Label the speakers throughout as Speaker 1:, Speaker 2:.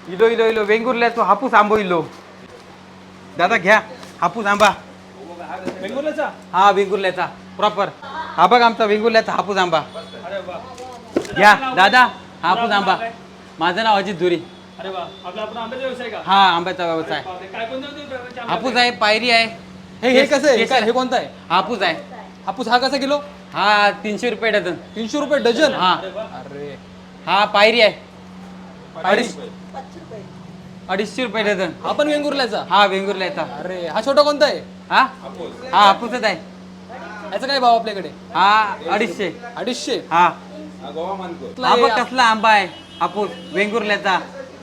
Speaker 1: इलो इलो इलो वेंगुर्ल्याचो हापूस आंबो इलो. दादा घ्या हापूस आंबा.
Speaker 2: बेंगुर्ल्याचा.
Speaker 1: हा वेंगुर्ल्याचा प्रॉपर. हा बघ आमचा वेंगुर्ल्याचा हापूस आंबा.
Speaker 2: अरे वा.
Speaker 1: घ्या दादा हापूस आंबा. माझं नाव अजित धुरी.
Speaker 2: अरे वा. आपला आपण आंब्याचा व्यवसाय का?
Speaker 1: हा आंब्याचा व्यवसाय.
Speaker 2: काय कोणते
Speaker 1: हापूस आहे, पायरी आहे.
Speaker 3: हे कसं आहे? काय हे कोणतं आहे?
Speaker 1: हापूस आहे.
Speaker 3: हापूस हा कसा किलो?
Speaker 1: हा 300 रुपये डझन.
Speaker 3: 300 रुपये डझन.
Speaker 1: हा
Speaker 3: अरे
Speaker 1: हा पायरी आहे.
Speaker 3: 250
Speaker 1: रुपये डझन.
Speaker 3: हा पण वेंगुर्ल्याचा.
Speaker 1: हा वेंगुर्ल्याचा.
Speaker 3: अरे हा छोटा कोणता आहे?
Speaker 1: हा हा हापूसच आहे.
Speaker 3: याचा काय भाव आपल्याकडे?
Speaker 1: हा 250.
Speaker 3: 250.
Speaker 1: हा
Speaker 3: कसला
Speaker 1: हा
Speaker 3: आहे?
Speaker 1: बघ कसला आंबा आहे हापूस वेंगुर्ल्याचा.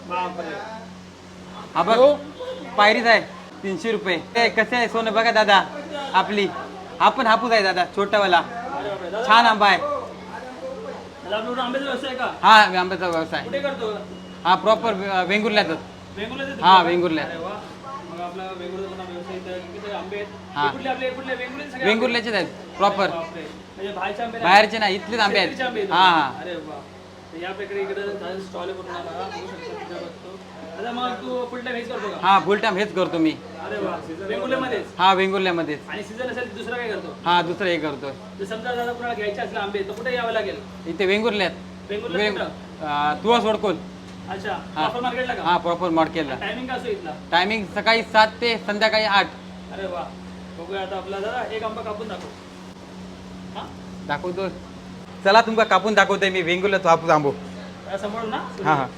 Speaker 1: हा बघ पायरीच आहे 300 रुपये. कसे आहे सोनं बघा दादा आपली. हा पण हापूस आहे दादा छोटावाला. छान आंबा आहे.
Speaker 2: आंब्याचा व्यवसाय का?
Speaker 1: हा आंब्याचा व्यवसाय.
Speaker 2: कुठे करतो?
Speaker 1: हा प्रॉपर वेंगुर्ल्यातच.
Speaker 2: वेंगुर्ल्याचा.
Speaker 1: हा वेंगुर्ल्यात.
Speaker 2: अरे वा. मग आपला वेंगुर्ल्याचा व्यवसाय इथं किती आंबे आहेत?
Speaker 1: हा.
Speaker 2: हे कुठले आपले कुठले वेंगुर्ल्याचे सगळे आंबे?
Speaker 1: वेंगुर्ल्याचेच आहेत प्रॉपर.
Speaker 2: बापरे. म्हणजे बाहेरचे आंबे नाही?
Speaker 1: बाहेरचे नाही इथलेच आंबे
Speaker 2: शेतीचे आंबे
Speaker 1: आहेत.
Speaker 2: आहेत.
Speaker 1: हा हा
Speaker 2: अरे वा. तर या प्रकारे इकडे स्टॉल करून आला बघू शकता तिथे बसतो. आता मग तू फुल टाइम हेच करतो का?
Speaker 1: हा फुल टाइम हेच करतो मी.
Speaker 2: अरे वा. वेंगुर्ल्यामध्येच.
Speaker 1: हा वेंगुर्ल्यामध्येच.
Speaker 2: आणि सीझन असेल तर दुसरा काय करतो?
Speaker 1: हा दुसरं हे करतोय
Speaker 2: जर समजा दादा कुणाला घ्यायचे असले आंबे तर कुठे यावं लागेल?
Speaker 1: इथे वेंगुर्ल्यात.
Speaker 2: वेंगुर्ल्यात कुठं?
Speaker 1: तुळस वडकोल.
Speaker 2: अच्छा. प्रॉपर मार्केटला का?
Speaker 1: हा प्रॉपर मॉडकेलला.
Speaker 2: टायमिंग का असतो इथला?
Speaker 1: टायमिंग सकाळी 7 ते संध्याकाळी 8.
Speaker 2: अरे वा. बघूया आता आपला दादा एक आंबा कापून दाखव. हा?
Speaker 1: दाखवतो. चला तुमका कापून दाखवतोय मी वेंगुर्ल्याचा हापूस आंबो.
Speaker 2: त्या समोर ना?
Speaker 1: हा हा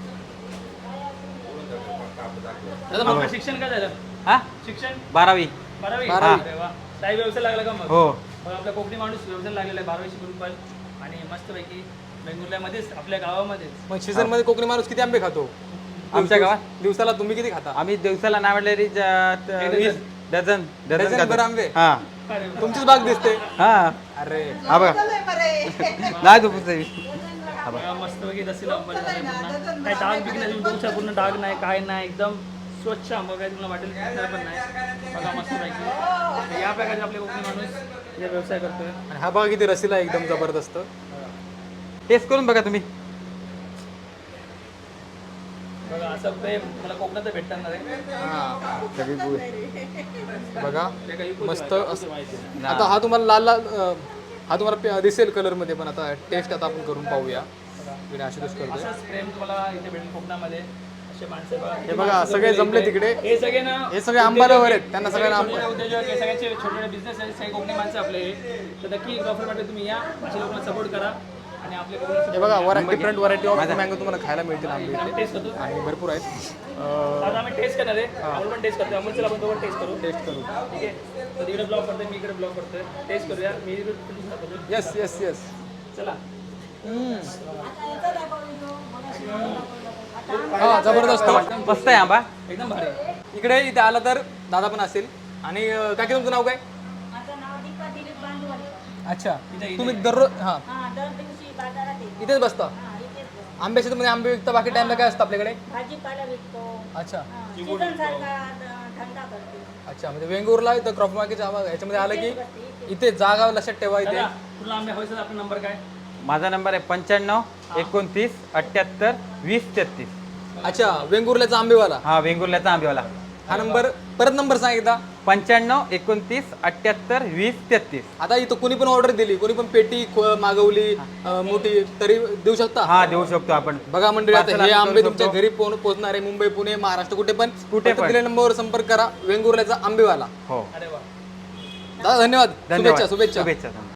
Speaker 2: दादा मग शिक्षण काय झालं?
Speaker 1: हा
Speaker 2: शिक्षण
Speaker 1: 12वी.
Speaker 2: 12वी.
Speaker 3: बारावी.
Speaker 2: अरे वा. काही व्यवसाय लागला का मग?
Speaker 1: हो
Speaker 2: मग आपला कोकणी माणूस व्यवसाय लागलेला आहे 12वी शिकून पण. आणि मस्तपैकी वेंगुर्ल्यामध्येच आपल्या गावामध्येच.
Speaker 3: मग सीझन मध्ये कोकणी माणूस किती आंबे खातो
Speaker 1: आमच्या गावात
Speaker 3: दिवसाला? तुम्ही किती खाता?
Speaker 1: आम्ही दिवसाला नाही म्हटलं तरी 20 डझन
Speaker 3: डझन
Speaker 1: खातो.
Speaker 3: भर आंबे?
Speaker 1: हा
Speaker 2: अरे वा.
Speaker 3: तुमचीच बाग दिसते.
Speaker 1: हा
Speaker 3: अरे
Speaker 1: हा बघा नाही झोपूच.
Speaker 2: बघा मस्तपैकी रस्सीला आंबा झालाय पूर्ण. काही डाग बिग नाही तुमच्या पूर्ण डाग नाही काय नाही एकदम स्वच्छ आंबा काय तुम्हाला वाटेल दिसणार पण नाही. बघा मस्तपैकी. तर या प्रकारे आपले कोकणी माणूस जे व्यवसाय करतोय.
Speaker 3: आणि हा बघा किती रसीला एकदम जबरदस्त.
Speaker 1: टेस्ट करून बघा तुम्ही.
Speaker 2: बघा असं प्रेम मला कोकणात भेटणार आहे.
Speaker 3: बघा
Speaker 2: ते काही
Speaker 3: मस्त असं. आता हा तुम्हाला लाल लाल हा तुम्हाला दिसेल कलर मध्ये, पण आता टेस्ट आता आपण करून पाहूया. इकडे आशुतोष करतोय.
Speaker 2: असंच प्रेम तुम्हाला इथे भेटेल कोकणामध्ये. असे माणसं बघा.
Speaker 3: हे बघा सगळे जमले तिकडे.
Speaker 2: हे सगळे ना
Speaker 3: हे सगळे आंबालावर आहेत. त्यांना सगळ्यांना
Speaker 2: छोटे उद्योजक हे सगळ्यांचे छोटे छोटे बिझनेस आहेत. सगळे कोकणी माणसं आपले. तर नक्की गॉफरमध्ये तुम्ही या, अशा लोकांना सपोर्ट करा. आणि आपले
Speaker 3: हे बघा डिफरंट व्हरायटी ऑफ मँगो तुम्हाला खायला मिळतील आंबे इथे.
Speaker 2: टेस्ट करतो.
Speaker 3: आणि भरपूर आहेत.
Speaker 2: आता आम्ही टेस्ट करणार आहे. अमोल पण टेस्ट करतो. अमोल चला आपण दोघं टेस्ट करू.
Speaker 3: टेस्ट करू.
Speaker 2: ठीक आहे. तर इकडे ब्लॉग करतोय, मी इकडे ब्लॉग करतोय. टेस्ट करूया. मी इकडे करतो.
Speaker 3: Yes yes yes.
Speaker 2: चला.
Speaker 3: हा जबरदस्त.
Speaker 1: मस्त आहे आंबा.
Speaker 2: एकदम भारी.
Speaker 3: इकडे इथे आला तर दादा पण असेल. आणि काकी तुमचं नाव काय?
Speaker 4: माझं नाव दीपा दिलीप बांधवडे.
Speaker 3: अच्छा.
Speaker 2: इथे-
Speaker 3: तुम्ही दररोज हा
Speaker 4: हा, दर दिवशी बाजारात येते.
Speaker 3: इथेच बसता?
Speaker 4: हा, इथेच बसते.
Speaker 3: आंब्याच्या शेतामध्ये आंबे विकता, बाकी टाइमला काय असतं आपल्याकडे?
Speaker 4: भाजीपाला विकतो.
Speaker 3: अच्छा
Speaker 4: सीझन सारखा धंदा करतो.
Speaker 3: अच्छा. म्हणजे वेंगुर्ला इथं क्रॉप मार्केटच्या याच्यामध्ये आलं की इथे जागा लक्षात ठेवा इथे.
Speaker 2: दादा, तुला आंबे हवे असेल आपला नंबर काय?
Speaker 1: माझा नंबर आहे 95 29 78 20 33.
Speaker 3: अच्छा. वेंगुर्ल्याचा आंबेवाला
Speaker 1: हा वेंगुर्ल्याचा आंबेवाला.
Speaker 3: हा नंबर परत नंबर सांग एकदा.
Speaker 1: 95 29 78 20 33.
Speaker 3: आता इथं कोणी पण ऑर्डर दिली, कोणी पण पेटी मागवली मोठी, तरी देऊ शकता?
Speaker 1: हा देऊ शकतो आपण.
Speaker 3: बघा मंडळी, आता
Speaker 1: Parcel
Speaker 3: हे
Speaker 1: आम्ही
Speaker 3: आंबे
Speaker 1: करू
Speaker 3: तुमच्या
Speaker 1: शकतो.
Speaker 3: घरी पोहोचणार आहे. मुंबई, पुणे, महाराष्ट्र कुठे पण
Speaker 1: कुठे पण.
Speaker 3: दिलेल्या नंबरवर संपर्क करा. वेंगुर्ल्याचा आंबेवाला.
Speaker 1: हो
Speaker 2: अरे वा.
Speaker 3: दादा धन्यवाद.
Speaker 1: धन्यवाद.
Speaker 3: शुभेच्छा शुभेच्छा.
Speaker 1: शुभेच्छा.